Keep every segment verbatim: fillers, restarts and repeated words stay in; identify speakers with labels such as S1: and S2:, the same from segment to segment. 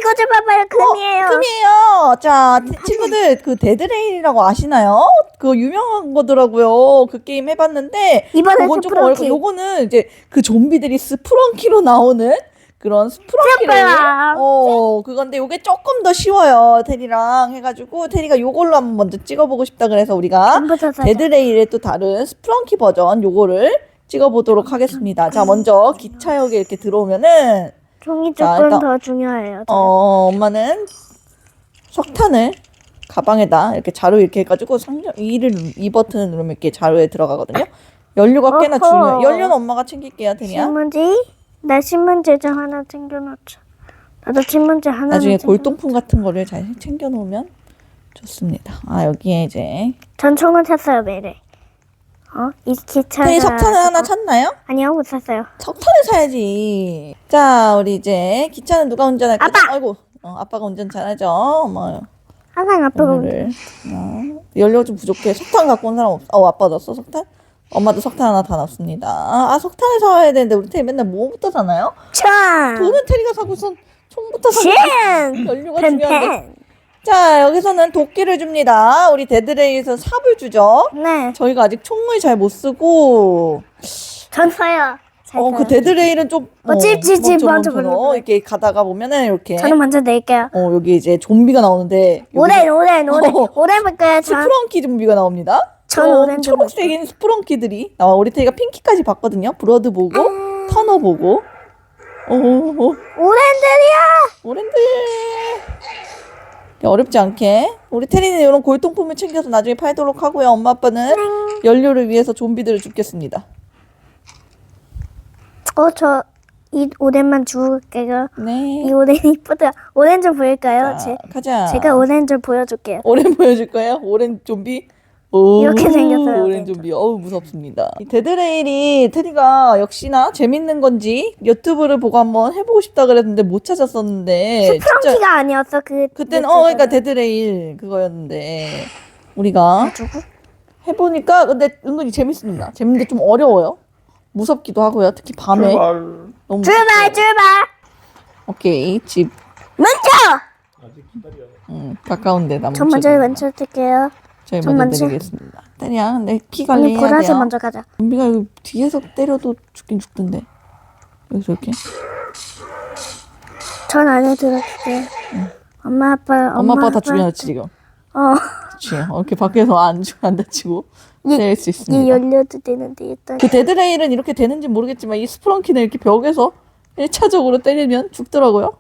S1: 이거 좀 봐봐요. 금이에요.
S2: 어, 금이에요. 자, 친구들 그 데드레일이라고 아시나요? 그거 유명한 거더라고요. 그 게임 해봤는데
S1: 이번엔
S2: 그건 조금
S1: 스프렁키.
S2: 어렵고 요거는 이제 그 좀비들이 스프렁키로 나오는 그런 스프렁키를
S1: 스프렁.
S2: 어 그건데 요게 조금 더 쉬워요. 테리랑 해가지고 테리가 요걸로 한번 먼저 찍어보고 싶다 그래서 우리가
S1: 전부 다 사자.
S2: 데드레일의 또 다른 스프렁키 버전 요거를 찍어보도록 하겠습니다. 자, 먼저 기차역에 이렇게 들어오면은
S1: 종이
S2: 자,
S1: 조금
S2: 일단-
S1: 더 중요해요.
S2: 어 엄마는 석탄을 가방에다 이렇게 자루 이렇게 해가지고 상점 이를 이 버튼을 누르면 이렇게 자루에 들어가거든요. 연료가 꽤나
S1: 어허.
S2: 중요해요. 연료는 엄마가 챙길게요, 테리야.
S1: 신문지? 나 신문지 좀 하나 챙겨놓자. 나도 신문지 하나.
S2: 나중에 골동품 같은 거를 잘 챙겨 놓으면 좋습니다. 아, 여기에 이제
S1: 전 총을 샀어요 매일. 어? 이 기차가.
S2: 테리 석탄을 하나 찾나요?
S1: 아니요 못 샀어요.
S2: 석탄을 사야지. 자, 우리 이제 기차는 누가 운전할 거죠?
S1: 아빠!
S2: 아이고, 어, 아빠가 운전 잘하죠. 엄마
S1: 항상 아빠가
S2: 오늘을 어, 연료 좀 부족해. 석탄 갖고 온 사람 없어? 어, 아빠 넣었어 석탄? 엄마도 석탄 하나 다 넣습니다. 아, 석탄을 사와야 되는데 우리 테리 맨날 뭐부터 사나요?
S1: 참.
S2: 돈은 테리가 사고선 총부터 사고.
S1: chen.
S2: 연료가 중요한데.
S1: 펜펜.
S2: 자, 여기서는 도끼를 줍니다. 우리 데드레이에서 삽을 주죠.
S1: 네.
S2: 저희가 아직 총을 잘 못 쓰고
S1: 전 써요. 잘
S2: 어,
S1: 써요.
S2: 그 데드레일은 좀
S1: 어, 찝찝찝
S2: 멈춰,
S1: 먼저
S2: 멈춰.
S1: 불러.
S2: 이렇게 가다가 보면은 이렇게
S1: 저는 먼저 낼게요.
S2: 어, 여기 이제 좀비가 나오는데
S1: 오렌 오렌 오렌
S2: 어.
S1: 오렌 볼까요? 전.
S2: 스프렁키 좀비가 나옵니다.
S1: 전
S2: 어,
S1: 오렌지
S2: 초록색인 스프렁키들이 나와. 우리 테이가 핑키까지 봤거든요. 브러드 보고
S1: 아.
S2: 터너 보고 어, 어,
S1: 오렌들이야.
S2: 오렌들 어렵지 않게 우리 테리는 이런 골동품을 챙겨서 나중에 팔도록 하고요. 엄마 아빠는 연료를 위해서 좀비들을 죽겠습니다.
S1: 어, 저 이 오렌만 주울게요.
S2: 네.
S1: 이 오렌 이쁘다. 오렌 좀 보일까요?
S2: 자,
S1: 제,
S2: 가자.
S1: 제가 오렌 좀 보여줄게요.
S2: 오렌 보여줄 거예요? 오렌 좀비? 오,
S1: 이렇게 생겼어요,
S2: 오렌
S1: 오렌
S2: 좀비. 어우, 무섭습니다. 이 데드레일이 테리가 역시나 재밌는 건지 유튜브를 보고 한번 해보고 싶다 그랬는데 못 찾았었는데.
S1: 스프렁키가 아니었어. 그
S2: 그때는 어 그러니까 데드레일 그거였는데 우리가
S1: 누구?
S2: 해보니까 근데 은근히 재밌습니다. 재밌는데 좀 어려워요. 무섭기도 하고요. 특히 밤에
S3: 출발.
S2: 너무
S1: 출발
S2: 무섭고.
S1: 출발.
S2: 오케이 집
S1: 먼저.
S3: 아직 기다려.
S2: 음, 가까운데 나
S1: 전 먼저 먼저 뜰게요.
S2: 저희
S1: 전
S2: 먼저
S1: 먼저.
S2: 드리겠습니다. 테리야 근데 피
S1: 언니
S2: 관리해야
S1: 보라색
S2: 돼요.
S1: 먼저 가자.
S2: 좀비가 여기 뒤에서 때려도 죽긴 죽던데 여기서 이렇게
S1: 전 안에 들어갈게요. 엄마 아빠
S2: 엄마 아빠가 다 죽여놨지 지금.
S1: 어.
S2: 그치 어, 이렇게 밖에서 안, 죽- 안 다치고
S1: 이-
S2: 때릴 수
S1: 이
S2: 있습니다.
S1: 연료도 되는데 일단
S2: 그 데드레일은 이렇게 되는지 모르겠지만 이 스프렁키는 이렇게 벽에서 일 차적으로 때리면 죽더라고요.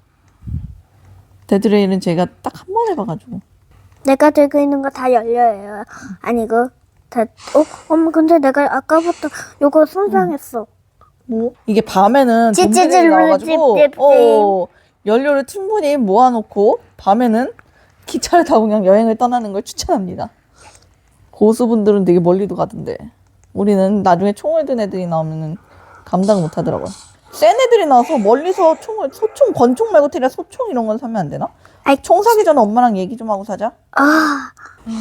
S2: 데드레일은 제가 딱 한 번 해봐가지고
S1: 내가 들고 있는 거 다 연료예요. 아니고 다. 어, 엄마 근데 내가 아까부터 요거 손상했어.
S2: 뭐 이게 밤에는
S1: 찌찌찌
S2: 좀비들이 나와가지고
S1: 찌찌찌.
S2: 어, 연료를 충분히 모아놓고 밤에는 기차를 타고 그냥 여행을 떠나는 걸 추천합니다. 고수분들은 되게 멀리도 가던데 우리는 나중에 총을 든 애들이 나오면은 감당 못하더라고요. 센 애들이 나와서 멀리서 총을 소총 권총 말고 테리야 소총 이런 건 사면 안 되나?
S1: 아이.
S2: 총 사기 전에 엄마랑 얘기 좀 하고 사자.
S1: 아,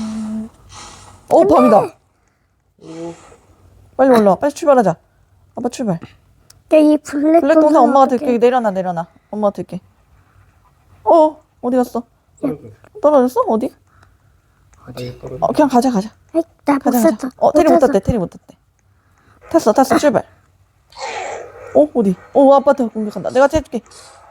S2: 어 밤이다. 빨리 올라와. 빨리 출발하자. 아빠 출발.
S1: 이 블랙
S2: 블랙 동상 엄마가
S1: 어떡해.
S2: 들게. 내려놔 내려놔. 엄마가 들게. 어 어디 갔어? 떨어졌어? 어디?
S3: 어디?
S2: 어 그냥 가자 가자.
S1: 아이, 나못
S2: 가자
S1: 샀어.
S2: 가자. 어 테리 못 탔대. 테리 못 탔대. 탔어 탔어 출발. 어 어디? 어 아빠한테 공격한다. 내가 해줄게.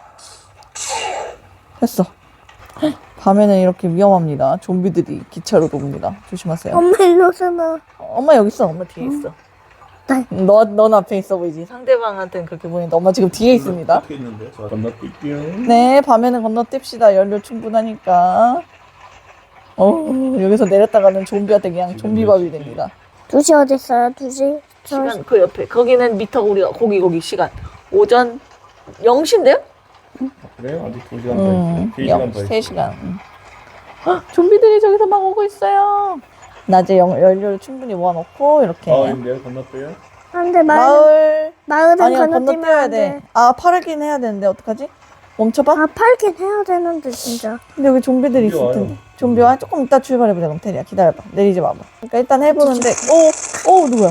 S2: 됐어. 밤에는 이렇게 위험합니다. 좀비들이 기차로 옵니다. 조심하세요.
S1: 엄마 일로 오잖아.
S2: 엄마 여기 있어. 엄마 뒤에 있어.
S1: 네.
S2: 너, 넌 앞에 있어 보이지? 상대방한테는 그렇게 보이는데 엄마 지금 뒤에 있습니다.
S3: 어떻게 있는데? 자, 건너뛸게요.
S2: 네, 밤에는 건너뜁시다. 연료 충분하니까. 어, 여기서 내렸다가는 좀비한테 그냥 좀비밥이 됩니다.
S1: 두 시 어디 있어요? 두 시? 저
S2: 시간 그 옆에. 거기는 미터 우리가 거기 거기 시간. 오전 영 시인데요?
S3: 그래요? 아직 두 시간 더
S2: 음,
S3: 있어요. 세 시간 더
S2: 세
S3: 있어요.
S2: 시간. 음. 헉, 좀비들이 저기서 막 오고 있어요. 낮에 영, 연료를 충분히 모아놓고 이렇게
S3: 마을인데요? 건너뛰어요?
S1: 안돼 마을
S2: 마을
S1: 마을은
S2: 아니야
S1: 건너뛰면
S2: 건너뛰어야
S1: 안
S2: 돼.
S1: 돼.
S2: 아 팔긴 해야 되는데 어떡하지? 멈춰봐.
S1: 아 팔긴 해야 되는데 진짜.
S2: 근데 여기 좀비들이 있을
S3: 좀비
S2: 텐데.
S3: 와요.
S2: 좀비 와? 조금 이따 출발해보자. 그럼 테리야 기다려봐. 내리지 마봐. 그러니까 일단 해보는데 오, 오 누구야?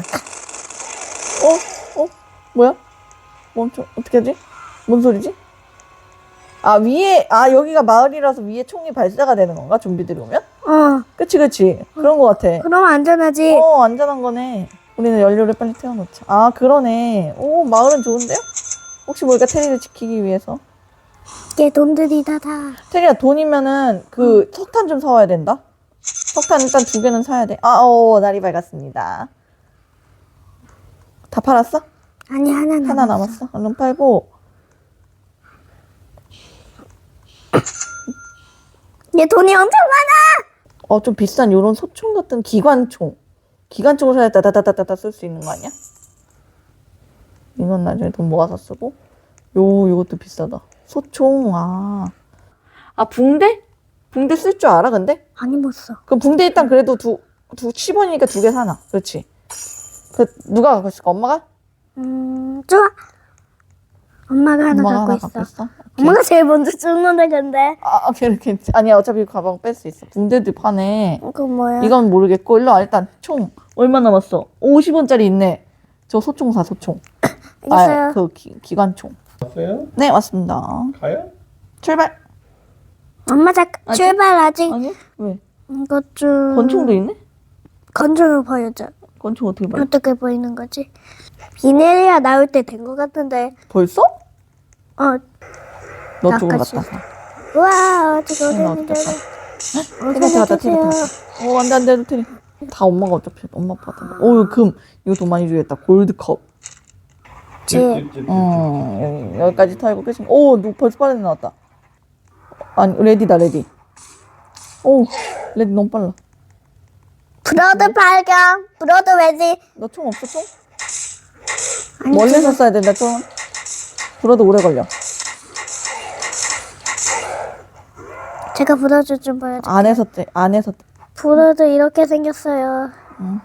S2: 어? 어? 뭐야? 멈춰. 어떻게 하지? 뭔 소리지? 아, 위에, 아, 여기가 마을이라서 위에 총이 발사가 되는 건가? 좀비들이 오면?
S1: 어.
S2: 그치, 그치. 그런 거 같아.
S1: 그럼 안전하지.
S2: 어, 안전한 거네. 우리는 연료를 빨리 태워놓자. 아, 그러네. 오, 마을은 좋은데요? 혹시 모르니까 테리를 지키기 위해서.
S1: 이게 돈들이 다다.
S2: 테리야, 돈이면은 그 석탄 좀 사와야 된다. 석탄 일단 두 개는 사야 돼. 아, 오, 날이 밝았습니다. 다 팔았어?
S1: 아니 하나 남았어.
S2: 하나 남았어? 얼른 팔고.
S1: 얘 돈이 엄청 많아.
S2: 어, 좀 비싼 요런 소총 같은 기관총. 기관총을 사야 따다다다다다 쓸 수 있는 거 아니야? 이건 나중에 돈 모아서 쓰고. 요, 요것도 비싸다. 소총, 아. 아, 붕대? 붕대 쓸 줄 알아, 근데?
S1: 아니 못 써.
S2: 그럼 붕대 일단 그래도 두, 두, 십 원이니까 두 개 사놔. 그렇지. 그, 누가 갖고 있을까? 엄마가?
S1: 음 좋아. 엄마가 하나
S2: 엄마가
S1: 갖고
S2: 하나
S1: 있어.
S2: 갖고 있어? 오케이.
S1: 엄마가 제일 먼저 죽는데 근데.
S2: 아, 오케이, 이렇게. 아니야, 어차피 가방 뺄 수 있어. 붕대도 파네.
S1: 그거 뭐야?
S2: 이건 모르겠고, 일로 와, 일단. 총. 얼마 남았어? 오십 원짜리 있네. 저 소총 사, 소총.
S1: 알겠어요.
S2: 아, 그 기, 기관총.
S3: 왔어요?
S2: 네, 왔습니다.
S3: 가요?
S2: 출발.
S1: 엄마 잠깐
S2: 아직?
S1: 출발 아직.
S2: 아니? 왜?
S1: 이것 좀.
S2: 권총도 있네?
S1: 건조를 보여줘.
S2: 권총 어떻게 봐?
S1: 어떻게 보이는 거지? 비네리아 나올 때 된 것 같은데.
S2: 벌써?
S1: 어.
S2: 너 쪽으로
S1: 나까지.
S2: 갔다.
S1: 우와 지금
S2: 응,
S1: 어린이들.
S2: 테리한테 갔다, 테리한테 갔다. 오, 안 돼, 안 돼, 테리. 다 엄마가 어차피, 엄마 아빠다. 오, 금. 이거 돈 많이 주겠다. 골드컵.
S1: 지.
S2: 어, 여기, 여기까지 털고 끝이면. 오, 너 벌써 빠르게 나왔다. 아니, 레디다, 레디. 오, 레디 너무 빨라.
S1: 브로드 발견. 브로드 왜지?
S2: 너 총 없어, 총?
S1: 아니,
S2: 멀리서 쏴야 된다, 총. 불어도 오래 걸려.
S1: 제가 브로드 좀 보여줘.
S2: 안에서 떼, 안에서 떼.
S1: 브로드 이렇게 생겼어요.
S2: 응.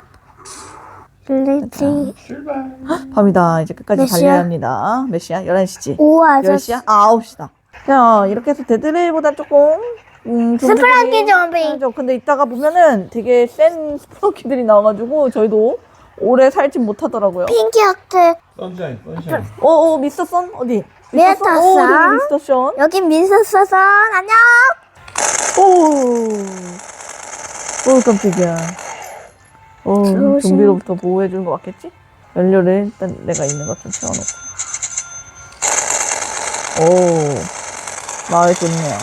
S1: 빌리지.
S3: 출발.
S2: 밤이다. 이제 끝까지
S1: 몇 시야?
S2: 달려야 합니다. 몇 시야? 열한 시지?
S1: 오 아저씨.
S2: 열 시야? 아, 아홉 시다. 자, 이렇게 해서 데드레일보다 조금, 음,
S1: 스프랑키 좀비.
S2: 좀비. 근데 이따가 보면은 되게 센 스프랑키들이 나와가지고 저희도 오래 살진 못하더라고요.
S1: 핑키 하트.
S3: 선샤인, 선샤인.
S2: 어, 어, 미스터 선? 어디?
S1: 미스터
S2: 선? 오,
S1: 선.
S2: 저기 미스터 션.
S1: 여긴 민서선 안녕.
S2: 오, 오, 깜짝이야. 어,
S1: 조심.
S2: 좀비로부터 보호해주는 거 맞겠지? 연료를 일단 내가 있는 것 좀 채워놓고. 오, 마을 좋네요.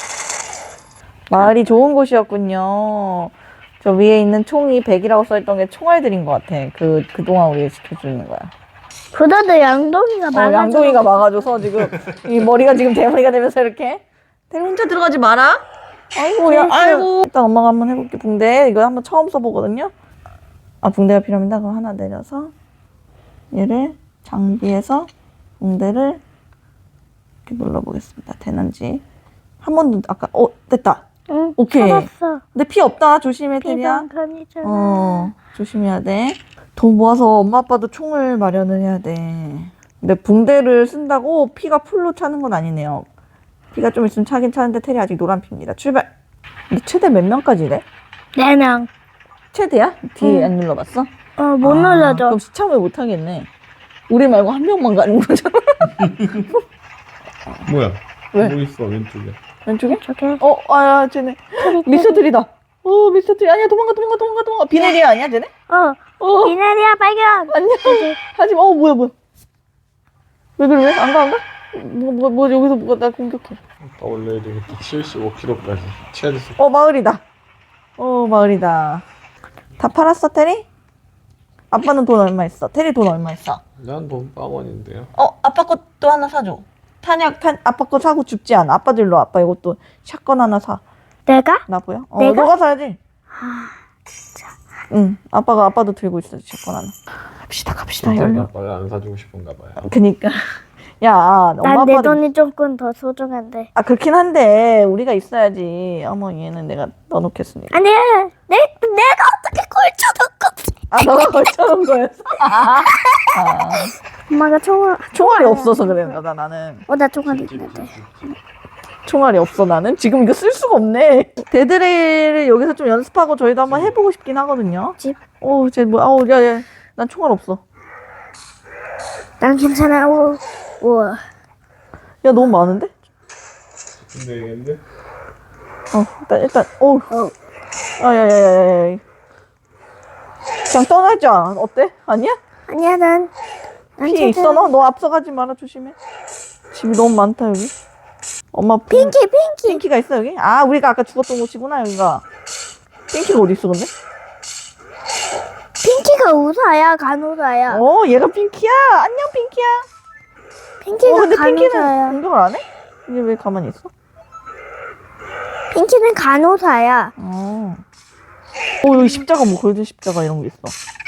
S2: 마을이 좋은 곳이었군요. 저 위에 있는 총이 백이라고 써있던 게 총알들인 것 같아. 그, 그동안 우리를 지켜주는 거야.
S1: 브로드 양동이가
S2: 어,
S1: 많아.
S2: 양동이가 막아줘서 지금 이 머리가 지금 대머리가 되면서 이렇게. 대리 혼자 들어가지 마라. 아이고, 야, 아이고. 일단 엄마가 한번 해볼게. 붕대. 이거 한번 처음 써보거든요. 아, 붕대가 필요합니다. 그럼 하나 내려서 얘를 장비에서 붕대를 이렇게 눌러보겠습니다. 되는지. 한 번도 아까, 어, 됐다.
S1: 응.
S2: 오케이.
S1: 찾았어.
S2: 근데 피 없다. 조심해, 테리야.
S1: 비방 편의점.
S2: 어, 조심해야 돼. 돈 모아서 엄마 아빠도 총을 마련을 해야 돼. 근데 붕대를 쓴다고 피가 풀로 차는 건 아니네요. 피가 좀 있으면 차긴 차는데 테리 아직 노란 피입니다. 출발. 근데 최대 몇 명까지래?
S1: 네 명.
S2: 최대야? 뒤에
S1: 응.
S2: 안 눌러봤어?
S1: 어, 못
S2: 아,
S1: 눌러줘.
S2: 그럼 시참을 못 하겠네. 우리 말고 한 명만 가는 거잖아.
S3: 뭐야?
S2: 왜?
S3: 뭐 있어 왼쪽에?
S2: 왼쪽에?
S1: 저게.
S2: 어, 아야, 쟤네. 미스터들이다. 어, 미스터들이. 아니야, 도망가, 도망가, 도망가, 도망가. 비네리아 아니야, 쟤네?
S1: 어.
S2: 어,
S1: 비네리아 발견.
S2: 안녕. 하지마. 어, 뭐야, 뭐야. 왜 그래, 왜? 안 가, 안 가? 뭐, 뭐, 뭐, 여기서 뭐가 나 공격해.
S3: 더 올려야 되겠다. 칠십오 킬로그램까지. 최대.
S2: 어, 마을이다. 어, 마을이다. 다 팔았어, 테리? 아빠는 돈 얼마 있어? 테리 돈 얼마 있어?
S3: 난돈 빵원인데요.
S2: 어, 아빠 것도 하나 사줘. 탄약, 탄, 아빠 거 사고 죽지 않아. 아빠도 일로 와. 아빠 이것도 샷건 하나 사.
S1: 내가?
S2: 나 보여? 어,
S1: 내가?
S2: 너가 사야지. 응, 아빠가, 아빠도 들고 있어. 샷건 하나. 갑시다, 갑시다.
S3: 진짜
S2: 열로.
S3: 아빠를 안 사주고 싶은가 봐요.
S2: 그니까. 야, 엄마
S1: 난 내
S2: 아빠도.
S1: 돈이 조금 더 소중한데.
S2: 아, 그렇긴 한데, 우리가 있어야지. 어머, 얘는 내가 넣어놓겠으니까.
S1: 아니야. 내, 내가 어떻게 꼴쳐놓고.
S2: 아, 너가 걸쳐놓은 거였어? 아,
S1: 엄마가 총을.
S2: 총알이 없어서 그래, 나, 나는.
S1: 어, 나 총알이 있는데.
S2: 총알이 없어, 나는. 지금 이거 쓸 수가 없네. 데드레일을 여기서 좀 연습하고 저희도 한번 해보고 싶긴 하거든요.
S1: 집.
S2: 어, 쟤 뭐, 아우, 야, 야. 난 총알 없어.
S1: 난 괜찮아. 오, 우와.
S2: 야, 너무 많은데?
S3: 근데 얘기했는데?
S2: 어, 일단, 일단, 오.
S1: 어.
S2: 아, 야, 야, 야, 야, 야. 그냥 떠나자. 어때? 아니야?
S1: 아니야, 난. 난
S2: 피 있어, 너? 너 앞서가지 마라, 조심해. 집이 너무 많다, 여기. 엄마, 핑-
S1: 핑키, 핑키.
S2: 핑키가 있어, 여기? 아, 우리가 아까 죽었던 곳이구나, 여기가. 핑키가 어디 있어, 근데?
S1: 핑키가 우사야, 간호사야.
S2: 어, 얘가 핑키야. 안녕, 핑키야.
S1: 핑키가
S2: 어, 근데 핑키는
S1: 간호사야.
S2: 공격을 안 해? 이게 왜 가만히 있어?
S1: 핑키는 간호사야.
S2: 어. 어, 여기 십자가, 뭐, 골든 십자가 이런 게 있어.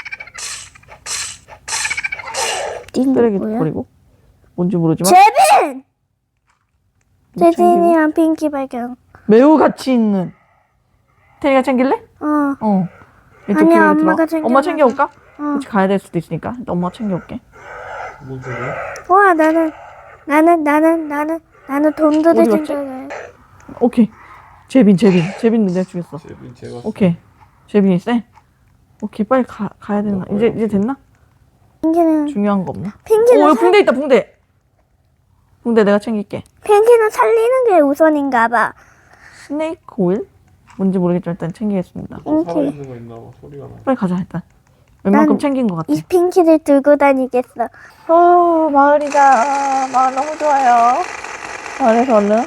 S2: 쓰레기
S1: 뭐야?
S2: 버리고. 뭔지 모르지만.
S1: 제빈!
S2: 뭐 챙기고.
S1: 제빈이랑 핑키 발견.
S2: 매우 가치 있는. 테리가 챙길래?
S1: 어,
S2: 어. 이쪽
S1: 아니야,
S2: 길로
S1: 엄마가
S2: 들어가.
S1: 챙겨놔서.
S2: 엄마 챙겨올까?
S1: 어.
S2: 혹시 가야 될 수도 있으니까. 일단 엄마 챙겨올게.
S3: 뭔 소리야?
S1: 와, 나는, 나는, 나는, 나는, 나는 돈들을
S2: 어디 갔지?
S1: 챙겨가요.
S2: 오케이. 제빈, 제빈. 제빈 내가 죽였어.
S3: 제빈 제가
S2: 오케이. 제빈이 쎄? 오케이, 빨리 가, 가야 되나? 이제, 이제 됐나?
S1: 핑키는,
S2: 중요한 거 없나?
S1: 핑키는,
S2: 오, 여기
S1: 살,
S2: 붕대 있다, 붕대! 붕대 내가 챙길게.
S1: 핑키는 살리는 게 우선인가 봐.
S2: 스네이크 오일? 뭔지 모르겠지만 일단 챙기겠습니다.
S3: 또
S1: 핑키.
S3: 살아있는 거 있나 봐. 소리가 나.
S2: 빨리 가자, 일단. 웬만큼
S1: 난
S2: 챙긴 것 같아.
S1: 이 핑키를 들고 다니겠어.
S2: 어, 마을이다. 마을 너무 좋아요. 마을에서 얼른.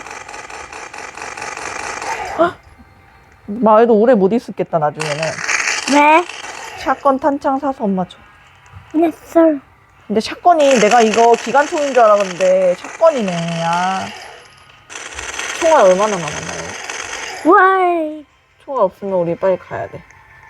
S2: 헉! 마을도 오래 못 있었겠다, 나중에는.
S1: 왜?
S2: 샷건 탄창 사서 엄마 줘.
S1: 냈어.
S2: 근데 샷건이 내가 이거 기관총인 줄 알았는데 샷건이네. 아. 총알 얼마나 남았나요?
S1: 와이.
S2: 총알 없으면 우리 빨리 가야 돼.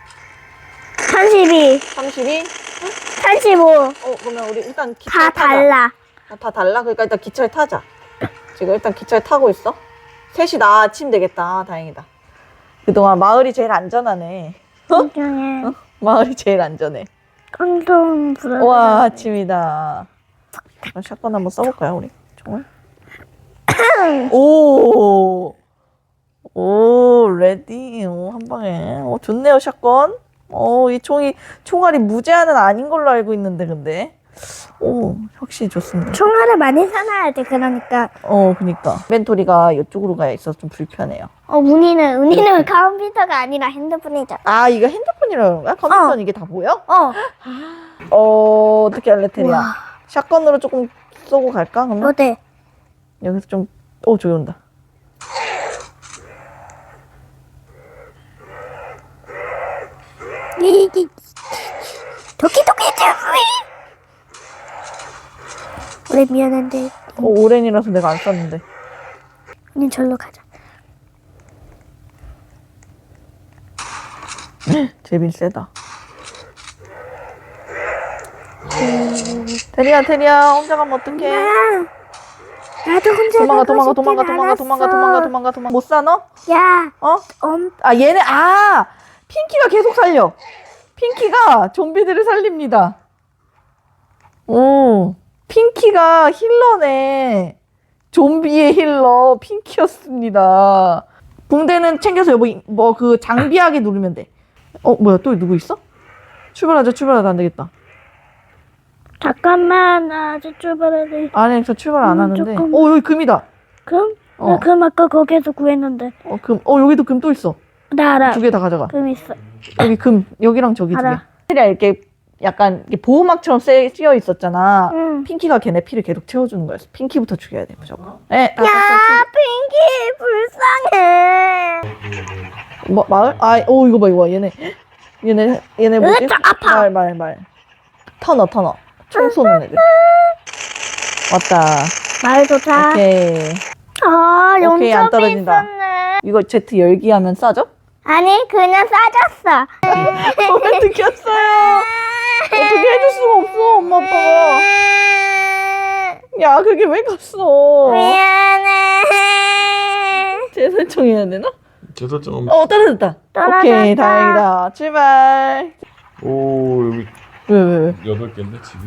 S1: 삼십이,
S2: 삼십이?
S1: 삼십오.
S2: 어, 그러면 우리 일단 기차
S1: 다
S2: 타자.
S1: 달라.
S2: 아, 다 달라? 그러니까 일단 기차를 타자. 지금 일단 기차를 타고 있어. 셋이 나 아침 되겠다. 아, 다행이다. 그동안 마을이 제일 안전하네.
S1: 굉장히
S2: 어? 마을이 제일 안전해.
S1: 깡통 불어.
S2: 와, 아침이다. 그럼 샷건 한번 써볼까요, 우리? 총알? 오! 오, 레디. 오, 한 방에. 오, 좋네요, 샷건. 오, 이 총이, 총알이 무제한은 아닌 걸로 알고 있는데, 근데. 오, 확실히 좋습니다.
S1: 총알을 많이 사놔야 돼. 그러니까.
S2: 어, 그니까. 인벤토리가 이쪽으로 가야 있어서 좀 불편해요.
S1: 어, 운이는 운이는 컴퓨터가 아니라 핸드폰이잖아.
S2: 아, 이거 핸드폰이라는 건가? 컴퓨터는
S1: 어.
S2: 이게 다 보여?
S1: 어.
S2: 어, 어떻게 할래, 테리야?
S1: 와.
S2: 샷건으로 조금 쏘고 갈까, 그러면?
S1: 어때?
S2: 여기서 좀, 오, 저기 온다.
S1: 이기 도끼 도끼 도끼. 우리 미안한데
S2: 어, 오렌이라서 내가 안 쐈는데.
S1: 우리 절로 가자.
S2: 제빈 세다. 테리야, 테리야, 혼자 가면 어떡해?
S1: 야, 나도 혼자
S2: 도망가,
S1: 가고
S2: 도망가,
S1: 싶진
S2: 도망가, 도망가,
S1: 않았어.
S2: 도망가, 도망가, 도망가, 도망가. 못 사, 너?
S1: 야,
S2: 어?
S1: 엄,
S2: 아, 얘네, 아! 핑키가 계속 살려. 핑키가 좀비들을 살립니다. 오, 핑키가 힐러네. 좀비의 힐러, 핑키였습니다. 붕대는 챙겨서 여보, 뭐, 그, 장비하게 누르면 돼. 어, 뭐야, 또 누구 있어? 출발하자, 출발하자, 안 되겠다.
S1: 잠깐만, 나 아직 출발해야 돼.
S2: 안에서 출발 안
S1: 음,
S2: 하는데.
S1: 조금.
S2: 어, 여기 금이다.
S1: 금?
S2: 어.
S1: 나 금 아까 거기에서 구했는데.
S2: 어, 금. 어, 여기도 금 또 있어.
S1: 나 알아.
S2: 두 개 다 가져가.
S1: 금 있어.
S2: 여기 금, 여기랑 저기 두 개.
S1: 알아.
S2: 테리야 이렇게 약간 이렇게 보호막처럼 쎄- 씌어 있었잖아.
S1: 응.
S2: 핑키가 걔네 피를 계속 채워주는 거였어. 핑키부터 죽여야 돼, 무조건. 네, 다
S1: 야,
S2: 같이
S1: 핑키 불쌍해.
S2: 죽여. 뭐, 마을? 아, 오, 이거 봐, 이거 봐. 얘네. 얘네, 얘네 뭐지?
S1: 으짜, 아파.
S2: 말, 말, 말. 터너, 터너. 총 쏘는 애들. 왔다.
S1: 말 좋다.
S2: 오케이.
S1: 아,
S2: 오케이, 안
S1: 용접이
S2: 떨어진다.
S1: 있었네.
S2: 이거 제트 열기 하면 싸죠?
S1: 아니, 그냥 싸졌어.
S2: 왜 느꼈어요? 어떻게 해줄 수가 없어, 엄마, 아빠가. 야, 그게 왜 갔어?
S1: 미안해.
S2: 재설정해야 되나?
S3: 제설정.
S2: 어, 떨어졌다.
S1: 떨어졌다.
S2: 오케이, 다행이다. 출발.
S3: 오 여기
S2: 왜, 왜, 왜?
S3: 여덟 개인데 집이?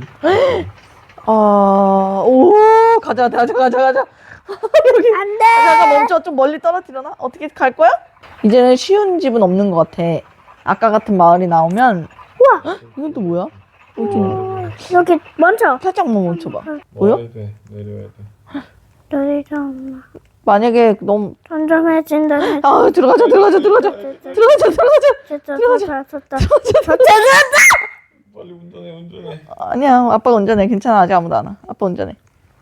S2: 아, 오, 가자, 가자, 가자, 가자. 여기.
S1: 안 돼.
S2: 잠깐 멈춰. 좀 멀리 떨어뜨려나? 어떻게 갈 거야? 이제는 쉬운 집은 없는 것 같아. 아까 같은 마을이 나오면.
S1: 우와.
S2: 이건 또 뭐야? 이거 좀
S1: 여기 멈춰.
S2: 살짝만 멈춰봐. 보여?
S3: 내려야 돼. 내려야 돼.
S1: 여기 좀.
S2: 만약에 너무
S1: 쫀쫀해진다.
S2: 아 들어가자 들어가자 들어가자 들어가자 들어가자
S1: 들어가자.
S3: 빨리 운전해 운전해.
S2: 아니야 아빠가 운전해 괜찮아 아직 아무도 안 와. 아빠 운전해.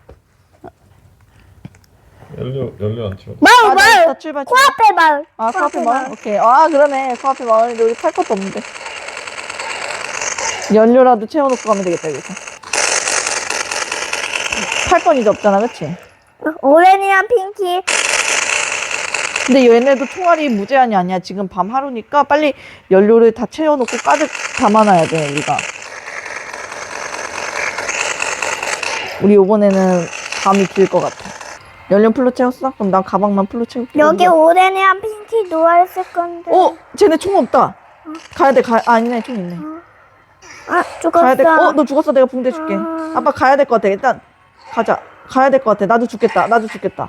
S3: 연료 연료 안 채워.
S1: 마을
S2: 아,
S1: 마을.
S2: 나 출발 출발.
S1: 코앞에 마을.
S2: 아 코앞에 마을? 오케이. 아 그러네 코앞에 마을인데 우리 탈 것도 없는데 연료라도 채워놓고 가면 되겠다 여기서. 팔 건 이제 없잖아 그치?
S1: 오렌이랑 핑키.
S2: 근데 얘네도 총알이 무제한이 아니야. 지금 밤 하루니까 빨리 연료를 다 채워놓고 가득 담아놔야 돼 우리가. 우리 요번에는 밤이 길 것 같아. 연료 풀로 채웠어? 그럼 나 가방만 풀로 채울게.
S1: 여기 오렌이랑 핑키 누워있을 건데.
S2: 어? 쟤네 총 없다. 가야 돼. 가... 아, 아니네. 총 있네.
S1: 아 죽었어.
S2: 가야 돼. 어? 너 죽었어. 내가 붕대 줄게.
S1: 아.
S2: 아빠 가야 될 것 같아. 일단 가자. 가야 될 것 같아. 나도 죽겠다. 나도 죽겠다.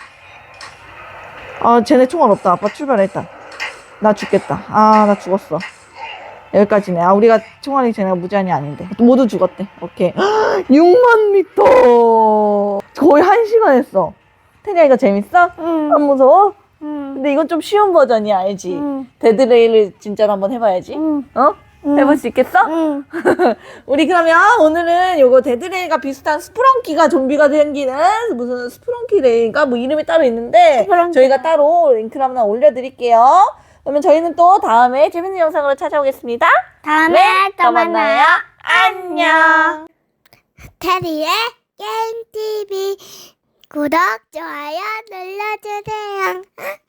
S2: 아, 쟤네 총알 없다. 아빠 출발해 일단. 나 죽겠다. 아, 나 죽었어. 여기까지네. 아, 우리가 총알이 쟤네가 무제한이 아닌데. 모두 죽었대. 오케이. 육만 미터. 거의 한 시간 했어. 태니야 이거 재밌어?
S1: 응.
S2: 안 무서워?
S1: 응.
S2: 근데 이건 좀 쉬운 버전이야, 알지?
S1: 응.
S2: 데드레일을 진짜로 한번 해봐야지.
S1: 응.
S2: 어?
S1: 응.
S2: 해볼 수 있겠어?
S1: 응.
S2: 우리 그러면 오늘은 요거 데드레일과 비슷한 스프렁키가 좀비가 생기는 무슨 스프렁키 레일인가 뭐 이름이 따로 있는데
S1: 스프렁키.
S2: 저희가 따로 링크를 한번 올려드릴게요. 그러면 저희는 또 다음에 재밌는 영상으로 찾아오겠습니다.
S1: 다음에
S2: 네,
S1: 또 만나요.
S2: 안녕.
S1: 테리의 게임티비 구독, 좋아요 눌러주세요.